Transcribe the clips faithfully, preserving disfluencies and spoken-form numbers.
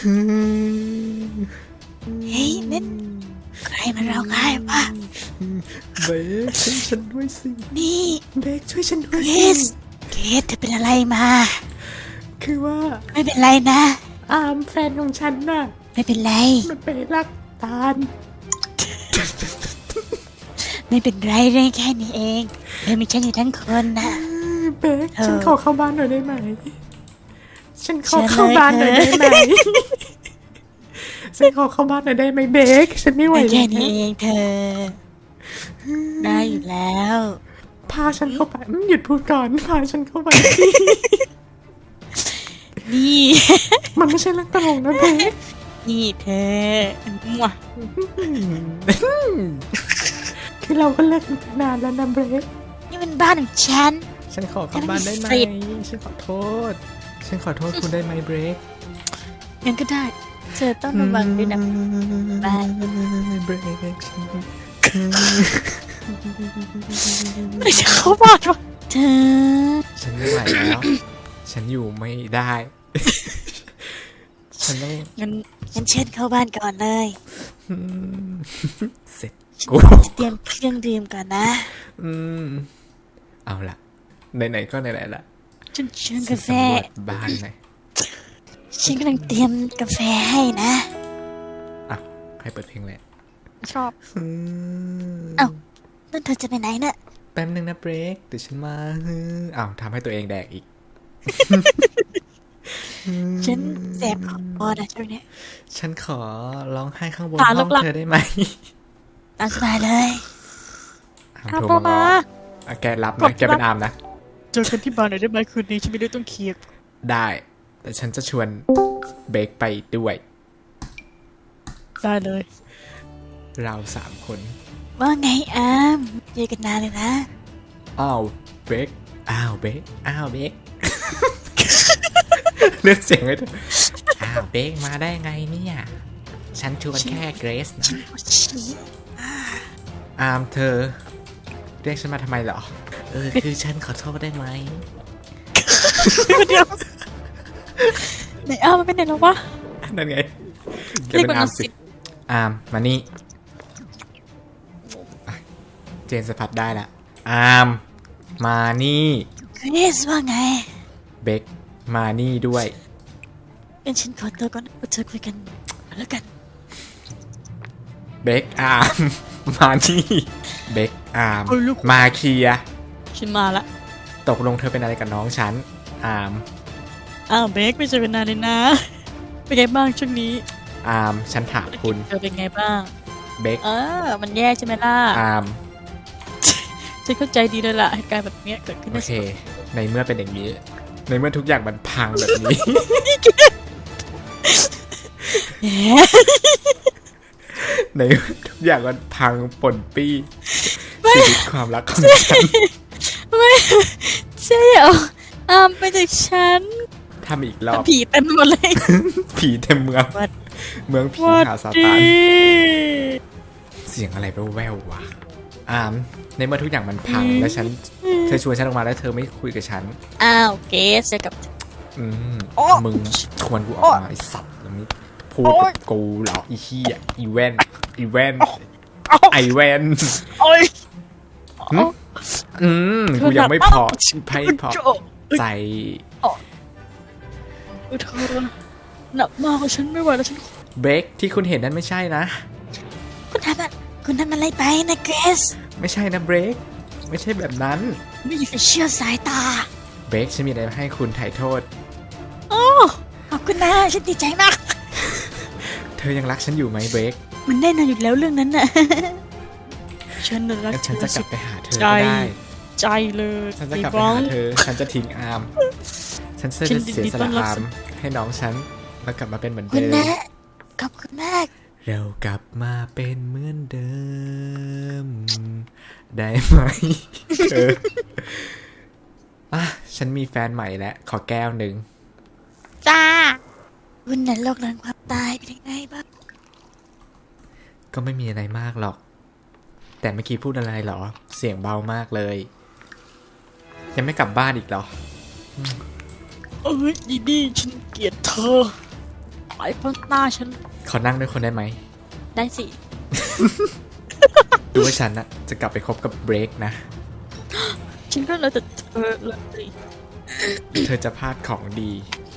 เฮ้ยนั่นใครมาร้องไห้ปะเบคช่วยฉันด้วยสินี่เบคช่วยฉันด้วยเกสิสเกสเธอเป็นอะไรมาคือว่าไม่เป็นไรนะอามแฟนของฉันน่ะไม่เป็นไรมันไปรักตาลไม่เป็นไรเรื่องแค่นี้เองเธอมีฉันอยู่ทั้งคนนะเบคฉันขอเข้าบ้านหน่อยได้ไหมฉันขอเข้าบ้านหน่อยได้ไหมฉันขอเข้าบ้านหน่อยได้ไหมเบคฉันไม่ไหวแล้วแค่นี้เองเธอได้อยู่แล้วพาฉันเข้าไปหยุดพูดก่อนพาฉันเข้าไปนี่มันไม่ใช่เรื่องตลกนะเบคนี่เธอมั่วคือเราก็เลิกกันไปนานแล้วนะเบคนี่มันบ้านของฉันฉันขอเข้าบ้านได้ไหมฉันขอโทษฉันขอโทษคุณได้ไหมเบคงั้นก็ได้เธอต้องระวังด้วยนะบายเบรกไม่จะเข้าบ้านวะเธอฉันไม่ไหวแล้วฉันอยู่ไม่ได้ฉันต้องงั้นงั้นเชิญเข้าบ้านก่อนเลยเสร็จกูเตรียมเครื่องดื่มก่อนนะอืมเอาล่ะไหนๆก็ไหนๆละฉันเชิญกาแฟบ้านไหนฉันกำลังเตรียมกาแฟให้นะอ่ะให้เปิดเพลงเลยชอบเอ้านั่นเธอจะไปไหนเนี่ยแป๊บนึงนะเบรกเดี๋ยวฉันมาอ้าวทำให้ตัวเองแดกอีกฉันแสบคอนะช่วงนี้ฉันขอร้องไห้ข้างบนห้องเธอได้ไหมตามสบายเลยโทรมาแกรับนะแกเป็นอาร์มนะเจอกันที่บ้านหน่อยได้ไหมคืนนี้ฉันไม่ได้ต้องเคลียร์ได้แต่ฉันจะชวนเบคไปด้วยได้เลยเราสามคนว่าไงอาร์มเจอกันนานเลยนะอ้าวเบคอ้าวเบคอ้าวเบคเลือกเสียงให้เธออ้าวเบคมาได้ไงเนี่ยฉันชวนแค่เกรซนะอาร์มเธอเรียกฉันมาทำไมเหรอเออคือฉันขอโทษได้ไหมเดี๋ยวไหนอาร์มมันเป็นไหนแล้ววะนั่นไงแกเป็นอาร์มสิอาร์มมานี่เจนสัมผัสได้ละอาร์มมานี่เกรซว่าไงเบคมานี่ด้วยงั้นฉันขอตัวก่อนเธอคุยกันแล้วกันเบคอาร์มมานี่เบคอาร์มมาเคลียร์ฉันมาละตกลงเธอเป็นอะไรกับน้องฉันอาร์มอ้าวเบคไม่เจอกันนานเลยนะเป็นไงบ้างช่วงนี้อาร์มฉันถามคุณเธอเป็นไงบ้างเบคเออมันแย่ใช่ไหมล่ะอาร์มฉันเข้าใจดีเลยล่ะเหตุการณ์แบบนี้เกิดขึ้นโอเคในเมื่อเป็นอย่างนี้ในเมื่อทุกอย่างมันพังแบบนี้ในทุกอย่างมันพังป่นปี้ชีวิตความรักของฉันไม่ใช่เหรออ้ามไปจากฉันทำอีกรอบผีเต็มหมดเลยผีเต็มเมืองเมืองผีหาซาตานเสียงอะไรแว่วๆวะอามในเมื่อทุกอย่างมันพังแล้วฉันเธอชวนฉันออกมาแล้วเธอไม่คุยกับฉันอ้าวเกสเจอกับอืมมึงชวนกูออกมาไอสัตว์แล้วนี่พูดกับกูเหรออีขี้อ่ะอีแวนอีแวนไอแวนอืมกูยังไม่พอไพ่พอใจเธอหนักมากฉันไม่ไหวแล้วฉันเบคที่คุณเห็นนั้นไม่ใช่นะคุณทำอะไรคุณทำอะไรไปนะเกรซไม่ใช่นะเบคไม่ใช่แบบนั้นไม่อยากจะเชื่อสายตาเบคฉันมีอะไรให้คุณไถ่โทษโอ้ขอบคุณนะฉันดีใจมากเธอยังรักฉันอยู่ไหมเบคมันแน่นอนอยู่แล้วเรื่องนั้นน่ะฉันรักฉันจะกลับไปหาเธอก็ได้ใจเลยฉันจะกลับไปหาเธอฉันจะทิ้งอาร์มฉันจะเสียสละอาร์มให้น้องฉันแล้วกลับมาเป็นเหมือนเดิมขอบคุณมากเรากลับมาเป็นเหมือนเดิมได้ไหมเอออ่ะฉันมีแฟนใหม่แล้วขอแก้วหนึ่งจ้าคุณนั้นโลกหลังความตายเป็นยังไงบ้างก็ไม่มีอะไรมากหรอกแต่เมื่อกี้พูดอะไรหรอเสียงเบามากเลยยังไม่กลับบ้านอีกหรอเอ้ยดีดีฉันเกลียดเธอไปพ้นหน้าฉันขอนั่งด้วยคนได้ไหมได้สิดูว่าฉันนะจะกลับไปคบกับเบรกนะฉันก็เลยจะเออเลยเธอจะพลาดของดี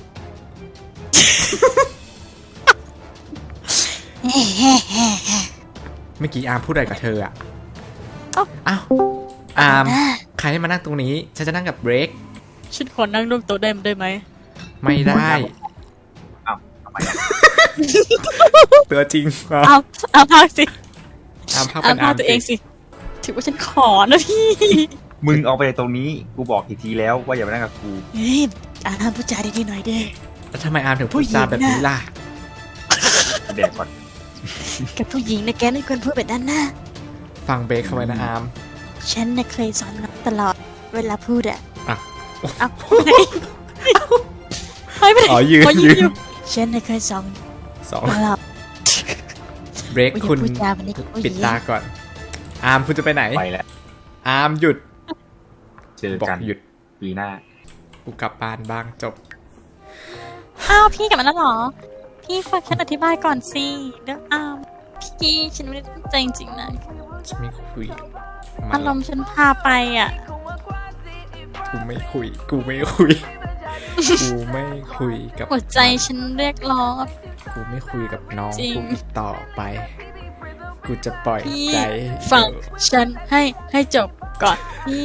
เมื่อกี้อาร์มพูดอะไรกับเธออะอ้าวอาร์มใครให้มานั่งตรงนี้ ฉันจะนั่งกับเบรกฉันขอนั่งร่วมโต๊ะได้ได้ไหมไม่ได้อ้าวทำไมอ่ะตัวจริงอ่ะเอาเอาพากสิอาร์มพักเอาเป็นพาอาร์มตัวเองสิถือว่าฉันขอนะพี่มึงเอาไปตรงนี้กูบอกกี่ทีแล้วว่าอย่ามานั่งกับกูเฮ้ยอ่านพูดจาดีๆหน่อยเด้แล้วทำไมอาร์มถึงพูดจาแบบนี้ล่ะแดกก่อนกับผู้หญิงนะแกไม่ควรพูดแบบนั้นนะฟังเบรกเข้าไว้นะอาร์มฉันน่ะเคยสอนน้องตลอดเวลาพูดอะอ่ะเอาไหนไปไปไหนอ๋อยืนขอยืนอยู่ฉันน่ะเคยสอนสองตลอดเบรกว่าอย่าคุณพูดจาแบบนี้กับผู้หญิงปิดตาก่อน อาร์มคุณจะไปไหนไปแล้วอาร์มหยุดเจอบอกกันหยุดปีหน้ากูกลับบ้านบ้างจบอ้าวพี่กลับมาแล้วเหรอ พี่ฟังฉันอธิบายก่อนสิเดี๋ยวอ้าวพี่ฉันไม่ได้ตั้งใจจริงๆนะฉันไม่คุยมัอาน รมณ์ฉันพาไปอ่ะกูไม่คุย กูไม่คุย กูไม่คุยกับหัวใจฉันเรียกร้องอะกูไม่คุยกับน้องจริงกูอีกต่อไป กูจะปล่อยพี่ใจฟังฉันให้ให้จบก่อนพี่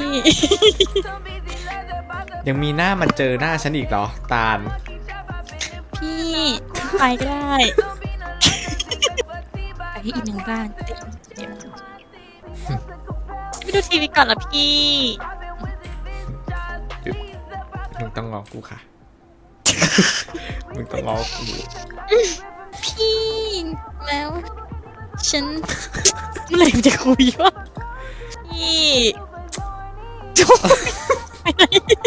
ยังมีหน้ามาเจอหน้าฉันอีกเหรอ ตาลพี่ไปก็ได้ไปที่อีกหนึ่งบ้านเดี๋ยวไปดูทีวีก่อนละพี่หยุดมึงต้องงอกูค่ะ มึงต้องงอกูพี่แล้ว ฉันเมื่อไหร่มันจะคุยวะพี่ไปไหน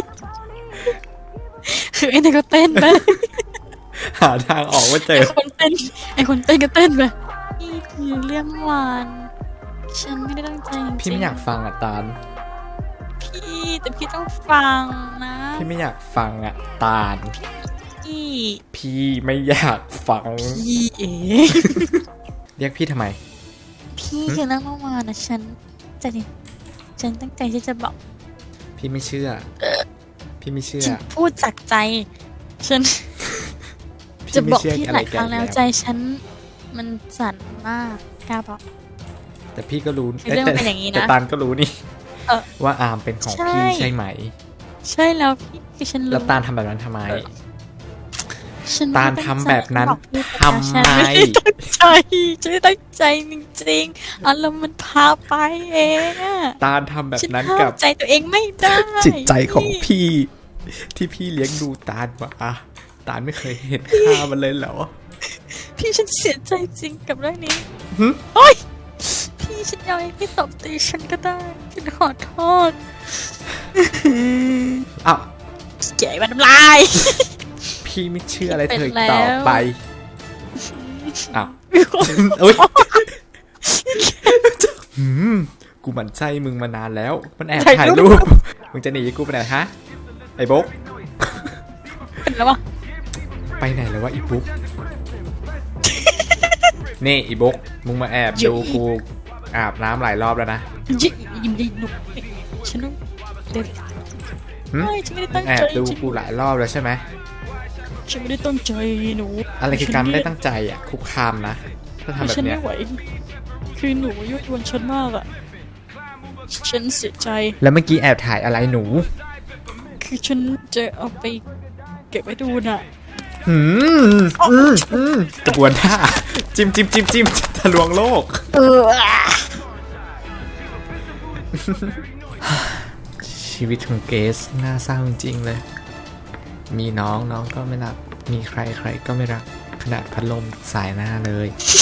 คือไอ้นี่ก็เต้นไปหาทางออกว่าเจไออคนเต้นไอคนเต้นก็เต้นไปพี่คือเรื่องหวานฉันไม่ได้ตั้งใจจริงๆพี่ไม่อยากฟังอ่ะตาลพี่แต่พี่ต้องฟังนะพี่ไม่อยากฟังอ่ะตาลพี่พี่ไม่อยากฟังพี่เอ๋เรียกพี่ทำไมพี่คือเรื่องเมื่อวานนะฉันจะดิฉันตั้งใจที่จะบอกพี่ไม่เชื่อ พี่ไม่เชื่อฉันพูดจากใจ ฉันพี่จะไม่บอกเชื่อพี่อะหไรลายคแกรั้งแล้วใจแล้วฉันมันสั่นมากกล้าบอกแต่พี่ก็รู้คือเรื่องมันเป็นอย่างนี้นะแต่ตาลก็รู้นี่เออว่าอาร์มเป็นของใช่พี่ใช่ไหมใช่แล้วพี่คือฉันรู้แล้วตาลทำแบบนั้นทำไมฉันตาไม่ลได้ทำแบบนั้นตั้งใจทำไมฉันไม่ได้ตั้งใจฉันไม่ได้ตั้งใจจริงๆอารมณ์มันพาไปเองอะตาลทำแบบฉันนั้นห้ากัมบใจตัวเองไม่ได้จิตใจของพี่ ที่พี่เลี้ยงดูตาลมาอะตาลไม่เคยเห็นค่ามันเลยเหรอพี่ฉันเสียใจจริงกับเรื่องนี้หึโอ๊ยพี่ฉันยอมให้พี่ตบตีฉันก็ได้ฉันขอโทษอ้าวเก๋มันำลายพี่ไม่เชื่ออะไรเธออีกเป็นแล้วต่อไปอ้าวอุ้ยหืมกูหมั่นไส้มึงมานานแล้ว มันแอบถ่ายรูป มึงจะหนีกูไปไหนฮะ ไอ้บุ๊กเป็นแล้ววะไปไหนแล้ววะอีบุ๊ก นี่อีบุ๊ก มึงมาแอบดูกูอาบน้ำหลายรอบแล้วนะยิ้มยิ้มยิ้มหนุกฉันต้องเดินหึไม่ฉันไม่ได้ตั้งแอใจบดูกูหลายรอบแล้วใช่ไหมฉันไม่ได้ตั้งใจหนูอะไรคือการไม่ได้ตั้งใจอ่ะ คุกคามนะ ถ้าทำแบบฉันเนี้ไม่ยไหวคือหนูยั่วยวนฉันมากอะฉันเสียใจแล้วเมื่อกี้แอบถ่ายอะไรหนูคือฉันจะเอาไปเก็บไว้ดูน่ะหืมอืมอืมกระบวนท่า จิ้มจิ้มจิ้มจิ้มทะลวงโลกเออชีวิตของเกสน่าเศร้าจริงๆเลย มีน้องน้องก็ไม่รัก มีใครใครก็ไม่รัก ขนาดพัดลมสายหน้าเลย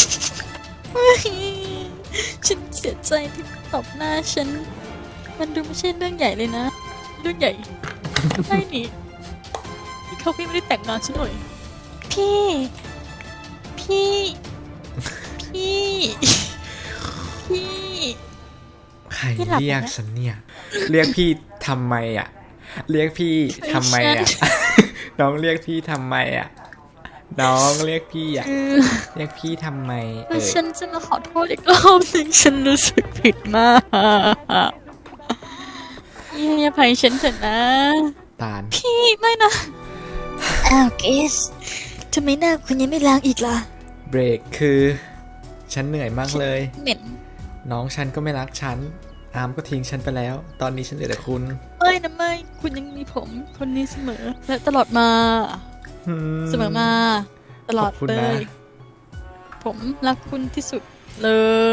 ฉันเสียใจที่ตบหน้าฉัน มันดูไม่ใช่เรื่องใหญ่เลยนะ เรื่องใหญ่ใช่นี่เขาพี่ไม่ได้แต่งงานฉันหน่อย พี่ พี่ พี่ พี่ใครพี่หลับเรียกแล้วฉันเนี่ย เรียกพี่ทำไมอ่ะ เรียกพี่ทำไมอ่ะ น้องเรียกพี่ทำไมอ่ะน้องเรียกพี่อะคือเรียกพี่ทำไมเอถ้าอฉันจะมาขอโทษอีกรอบหนึ่งฉันรู้สึกผิดมากให้อภัยฉันเถอะนะตาลพี่ไม่นะอ้าวเกสทำไมหน้าคุณยังไม่ล้างอีกล่ะเบรกคือฉันเหนื่อยมากเลยเหม็นน้องฉันก็ไม่รักฉันอาร์มก็ทิ้งฉันไปแล้ว ตอนนี้ฉันเหลือแต่คุณไม่นะไม่คุณยังมีผมคนนี้เสมอ และตลอดมาอืมเสมอมา ตลอดขอบคุณเลนะย ผมรักคุณที่สุดเลย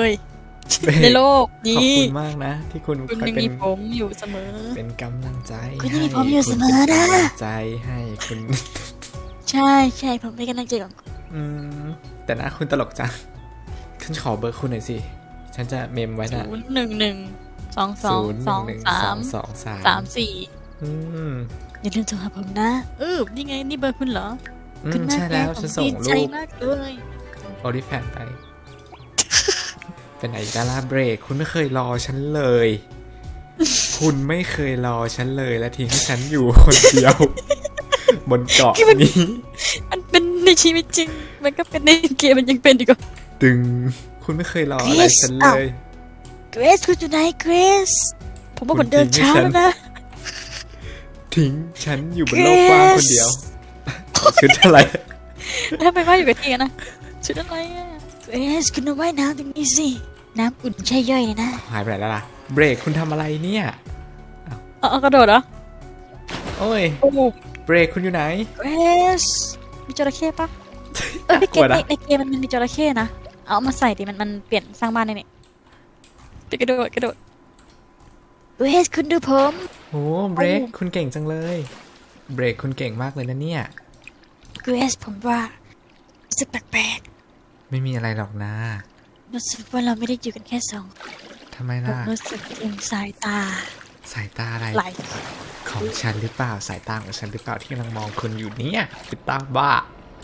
เบรกในโลกขอบนี้คุณมากนะ ที่คุณคุณคอยยังเป็นมีผมอยู่เสมอเป็นกำลังใจคุณยังมีให้ผมอยู่เสมอนะคุณเป็นกำลังใจให้คุณใช่ใช่ผมเป็นกำลังใจของคุณอืมแต่นะคุณตลกจังฉันขอเบอร์คุณหน่อยสิ ฉันจะเมมไว้นะศูนย์หนึ่งหนึ่งสองสองศูนย์สองหนึ่งสาสอมงสองสามสามสี่อืมอย่าลืมโทรหาผมนะเออนี่ไงนี่เบอร์คุณเหรออืมคุณมากใช่แล้วเลยฉันส่งดีใจรูปมากเลยโอลิแฟนไป เป็นไหนดาราเบรก คุณไม่เคยรอฉันเลย คุณไม่เคยรอฉันเลยและทิ้งให้ฉันอยู่คนเดียว บนเกาะนี้มันเป็นในชีวิตจริง มันก็เป็นในเกมมันยังเป็นอีกอ่ะตึง คุณไม่เคยรออะไรฉันเลยเกรซคุณอยู่ไหนเกรซผมว่าผมเดินช้าแล้วนะทิ้งฉันอยู่บนโลกกว้างคนเดียวชุดอะไรทำไมว่าอยู่กับที่กันนะชุดอะไรอ่ะเกรซคุณมาว่ายน้ำตรงนี้สิ น้ำอุ่นใช่ย่อยเลยนะหายไปไหนแล้วล่ะ เบรกคุณทำอะไรเนี่ยเอาเอากระโดดเหรอโอ้ยโอ้โหเบรกคุณอยู่ไหนเกรซมีจระเข้ปะเออในเกกลัวมนะในในเกมมันมีจระเข้นะ เอามาใส่ดิมันมันเปลี่ยนสร้างบ้านได้เนี่ยไปกระโดดกระโดดเกรซคุณดูผมโอ้เบรกคุณเก่งจังเลย เบรกคุณเก่งมากเลยนะเนี่ยเกรซผมว่ารู้สึกแปลกไม่มีอะไรหรอกนะๆรู้สึกว่าเราไม่ได้อยู่กันแค่สองทำไมผมล่ะรู้สึกถึงสายตาสายตาอะไรไหลของฉันหรือเปล่า สายตาของฉันหรือเปล่าที่กำลังมองคุณอยู่เนี่ยเป็นตาบ้า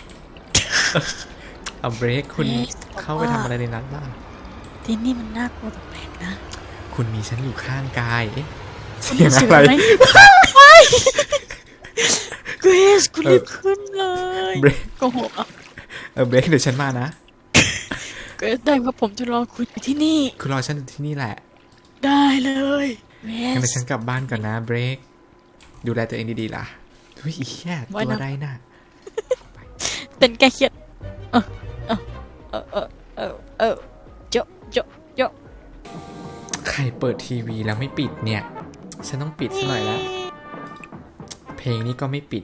เอาเบรกคุณเอ๊ะเข้าไปทำอะไรในนั้นบ้างที่นี่มันน่ากลัวแปลกๆนะคุณมีฉันอยู่ข้างกาย เอ๊ะคุณเสียงรู้สึกอะไรไหมเกรซคุณเอรีอบขึ้นเลยเบรกโกหกอ่ะเออเบรกเดี๋ยวฉันมานะก็ได้ครับผมจะรอคุณอยู่ที่นี่คุณรอฉันอยู่ที่นี่แหละได้เลยเกรงั้นเดี๋ซยวฉันกลับบ้านก่อนนะเบรก ดูแลตัวเองดีๆล่ะทุยอีแค่ตัวอะไรน่ะเป็นแก้เครียดเออเออเออเออเออเออโจะโจะโจะใครเปิดทีวีแล้วไม่ปิดเนี่ย ฉันต้องปิดซะหน่อยแล้ว เพลงนี้ก็ไม่ปิด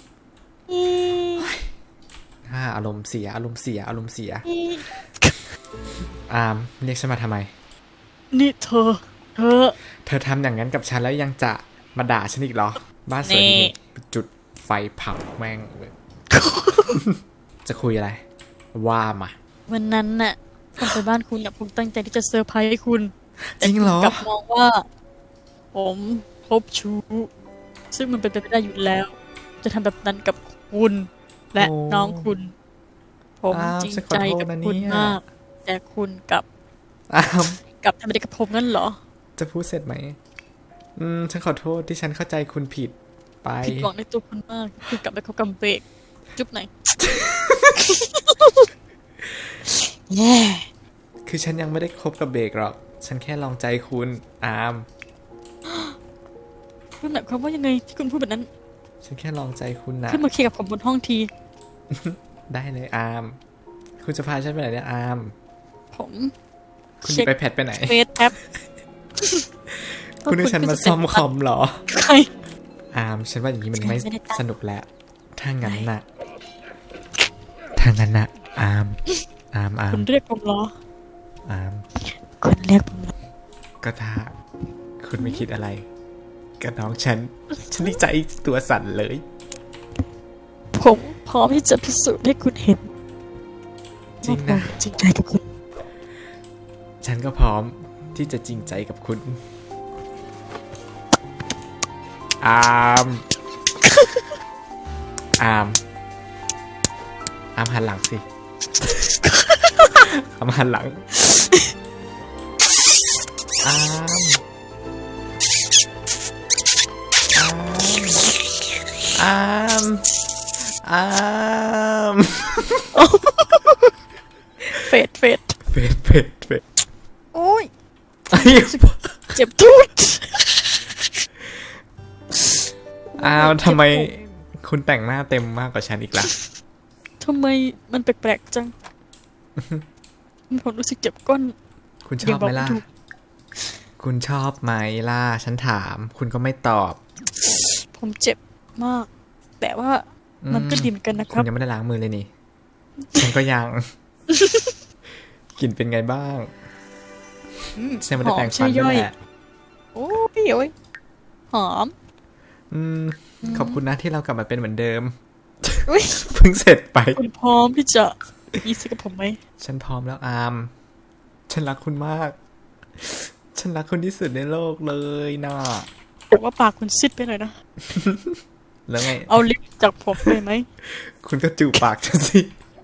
ถ้าอารมณ์เสียอารมณ์เสียอารมณ์เสีย อามเรียกฉันมาทำไมนี่เธอ เธอเธอทำอย่างนั้นกับฉันแล้วยังจะมาด่าฉันอีกเหรอ บ้านสวยดีนี่นี่จุดไฟเผาแม่งเลย จะคุยอะไร ว่ามาวันนั้นน่ะผมไปบ้านคุณเนี่ยผมตั้งใจที่จะเซอร์ไพรส์ให้คุณจริงเหรอกลับมองว่า ผมคบชู้ ซึ่งมันเป็นไปไม่ได้อยู่แล้ว จะทำแบบนั้นกับคุณ และโอ้น้องคุณ ผมอ้าวจริงฉันขอใจโทษกับนะคุณเนี่ยมาก แต่คุณกลับอามกลับทำอะไรกับผมนั่นเหรอจะพูดเสร็จไหม อืม ฉันขอโทษที่ฉันเข้าใจคุณผิดไปผิดหวังในตัวคุณมากคุณกลับไปคบกับเบรกจุ๊บไหนอยแย่คือฉันยังไม่ได้คบกับเบรกหรอก ฉันแค่ลองใจคุณอามคุณหมายความว่ายังไงที่คุณพูดแบบนั้นฉันแค่ลองใจคุณนะขึ้นมาเคลียร์กับผมบนห้องทีได้เลยอาม คุณจะพาฉันไปไหนเนี่ยอามผมคุณจะไปแพทไปไหนเฟซแท็บคุณให้ฉันมาซ่อมคอมเหรอใครอาม ฉันว่าอย่างนี้มันไม่สนุกแล้ว ถ้างั้นน่ะ ถ้างั้นน่ะ อาม อาม อาคุมณเรียกผมเหรออามคุณเรียกผมเหรอก็ถ้า คุณไม่คิดอะไรกับน้องฉัน ฉันดีใจตัวสั่นเลยผมพร้อมที่จะพิสูจน์ให้คุณเห็นจริงนะว่าผมจริงใจกับคุณฉันก็พร้อมที่จะจริงใจกับคุณ อาม อาม อามหันหลังสิ อามหันหลัง อาม อาม อาม ออามเฟดเฟดเฟดเฟดเฟดโอ้ยไอ้เจ็บทุดอามทำไมคุณแต่งหน้าเต็มมากกว่าฉันอีกล่ะทำไมมันแปลกๆจังผมรู้สึกเจ็บก้นคุณชอบไหมล่ะ คุณชอบไหมล่ะ ฉันถาม คุณก็ไม่ตอบผมเจ็บมาก แต่ว่ามันก็ดีเหมือนกันนะคคุรัณบยังไม่ได้ล้างมือเลยนี่ ฉันก็ยัง กลิ่นเป็นไงบ้างฉันไม่ได้แปรงฟันด้วยแหละโอ้ยโอ้ยหอมอืม ขอบคุณนะที่เรากลับมาเป็นเหมือนเดิมอุ๊ยเพิ่งเสร็จไปคุณพร้อมที่จะยี่สิบกับผมไหมฉันพร้อมแล้วอาม ฉันรักคุณมาก ฉันรักคุณที่สุดในโลกเลยนะแต่ว่าปากคุณซิดไปหน่อยนะแล้วไงเอาลิปจากผมไปไหมคุณก็จูบปากฉันสิ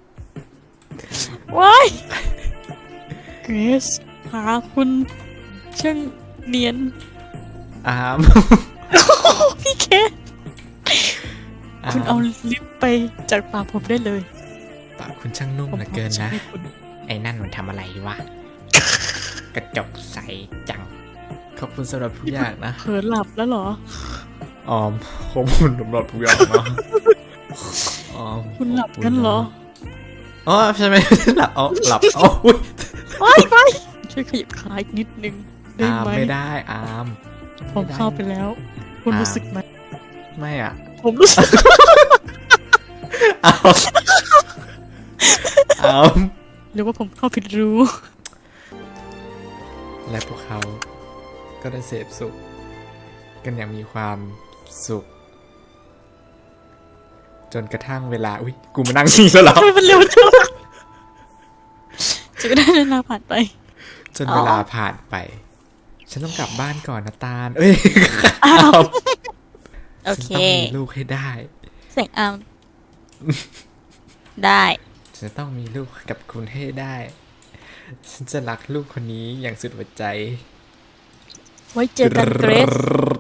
ว้ายเกรซหาคุณช่างเนียนอามพี่เคสคุณเอาลิปไปจากปากผมได้เลยปากคุณช่างนุ่มเหลือเกินนะให้คุณไอ้นั่นมันทำอะไรวะ กระจกใสจัง ขอบคุณสำหรับทุกอย่างนะเผลอหลับแล้วเหรอออมขอบคุณสำหรับทุกอย่างนะออมคุณหลับกันเหรออ๋อใช่ไหมหลับอ๋อหลับอ๋ออุ๊ยไปไปช่วยขยับขาอีกนิดนึงได้อามไหมไม่ได้อามผมเข้าไปแล้ว คุณอ่ารู้สึกไหมไม่อ่ะผมรู้สึกอามอามหรือว่าผมเข้าผิดรูและพวกเขาก็ได้เสพสุข กันอย่างมีความสุข จนกระทั่งเวลาอุ้ยกูมานั่งนี่แล้วเหรอทำไมมันเร็วจังจะก็ได้เวลาผ่านไปจนเวลาผ่านไป ฉันต้องกลับบ้านก่อนนะตาล เอ้ยอ้าวฉัโอน เคต้องมีลูกให้ได้เสียงอามได้ฉันจะต้องมีลูกกับคุณให้ได้ ฉันจะรักลูกคนนี้อย่างสุดหัวใจไว้เจอกันเกรซ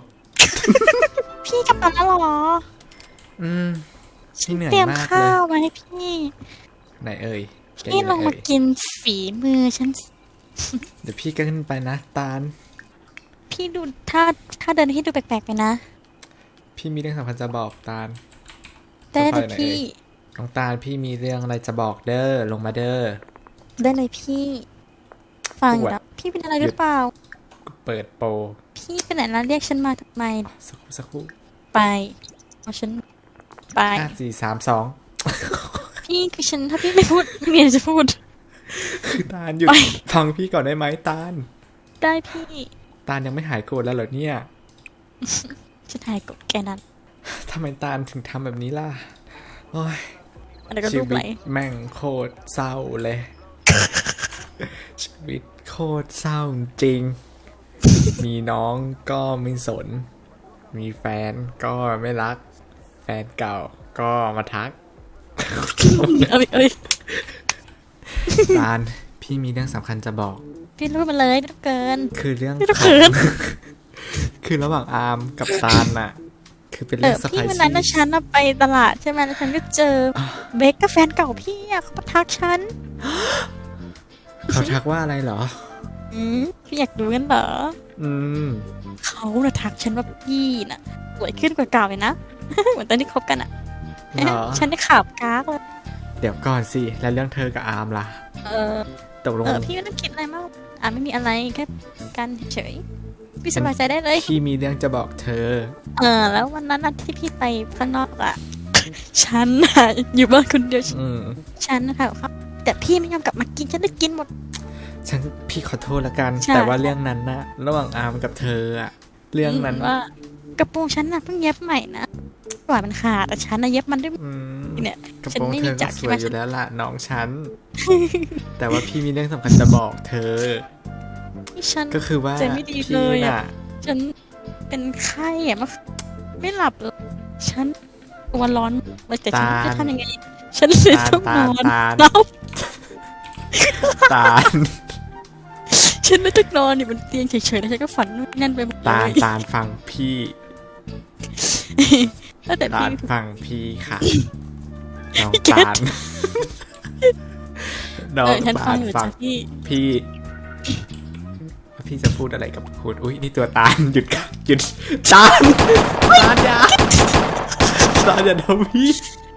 พี่กลับมาแล้วเหรออืมพี่เหนื่อยเตรียมมากเลข้าวย มาให้พี่ไหนเอ่ยแกพี่อยู่ลงไหนมาเอ่ยกินฝีมือฉันเดี๋ยวพี่ก็ขึ้นไปนะตาลพี่ดูถ้าถ้าเดินให้ดูแปลกๆไปนะพี่มีเรื่องสำคัญจะบอกตาลได้เลยค่อยๆหน่อยพี่น้องตาลพี่มีเรื่องอะไรจะบอกเด้อลงมาเด้อได้เลยพี่ ฟังอยู่ปวดแล้วพี่เป็นอะไรหรือเปล่าเปิดโปรพี่เป็นไหนแล้วเรียกฉันมาทำไมสักครู่สักครู่ไปเอาฉันไปห้าสี่สามสองพี่คือฉันถ้าพี่ไม่พูดไม่มีอะไรจะพูดคือตาลหยุดไปฟังพี่ก่อนได้ไหมตาลได้พี่ตาลยังไม่หายโกรธแล้วเหรอเนี่ยฉันหายกดแกนั้นทำไมตาลถึงทำแบบนี้ล่ะโอ้ยอะไรก็ชีรูปวิไหลตแม่งโคตรเศร้าเลย ชีวิตโคตรเศร้าจริง มีน้องก็ไม่สน มีแฟนก็ไม่รัก แฟนเก่าก็มาทักเอ้ยเอ้ยตาลพี่มีเรื่องสำคัญจะบอกพี่รู้มาเลยไม่ต้องเกินคือเรื่องไม่ต้องขเขิองนคือระหว่างอาร์มกับตาลน่ะ คือเป็นเอเรื่อองสไปพี่วันซี่นั้นนะฉันน่ะไปตลาดใช่ไหมแล้วฉันก็เจอเบคกับแฟนเก่าพี่อะเขามาทักฉันเขาทักว่าอะไรเหรออืมพี่อยากดูกันเหรออืมเขาน่ะทักฉันว่าพี่น่ะสวยขึ้นกว่าเก่าเลยนะ เหมือนตอนที่คบกันอะเหรอฉันได้ข่าวกากเลยเดี๋ยวก่อนสิ แล้วเรื่องเธอกับอาร์มล่ะเออตกลงเออพี่ไม่ต้องคิดอะไรมากอ่ะไม่มีอะไรแค่กันเฉยๆพี่สบายใจได้เลยพี่มีเรื่องจะบอกเธอเออแล้ววันนั้นน่ะที่พี่ไปข้างนอกอะฉันน่ะอยู่บ้านคนเดียวอืมฉันนะคะครับ แต่พี่ไม่ยอมกลับมากินฉันได้กินหมดฉันพี่ขอโทษละกันใช่แต่ว่าเรื่องนั้นนะระหว่างอาร์มกับเธออะเรื่องนั้นว่ากระโปรงฉันน่ะเพิ่งเย็บใหม่นะกว่ามันขาดแต่ฉันน่ะเย็บมันด้วยอืมเนี่ยกระฉันโปรงไม่เธมีอจัก็กรสใช่วไหมยอยู่แล้วล่ะน้องฉัน แต่ว่าพี่มีเรื่องสำคัญจะบอกเธอที่ฉันก็คือว่าใจไม่ดีพี่เลยอะน่ะฉันเป็นไข้อะมาไม่หลับเลยฉันตัวร้อนเลยแต่ฉันจะทำยังไง ฉันเลยตาลต้องตาน ลอนตาลแล้วตาลฉันไม่ต้องนอนอยู่บนเตียงเฉยๆแล้วฉันก็ฝันนู่นนั่นไปหมดเลตาลยตาลฟังพี่แล้วแต่ตาพี่ลฟังพี่ค่ะน้องพี่เกตาดลน้องเออฉันฟัตาง ลอยู่ฟัจ้ะงพี่พี่พี่จะพูดอะไรกับคุณอุ้ยนี่ตัวตาลหยุดค่ะหยุดตาลตาลอย่าตาลอย่าทำพี่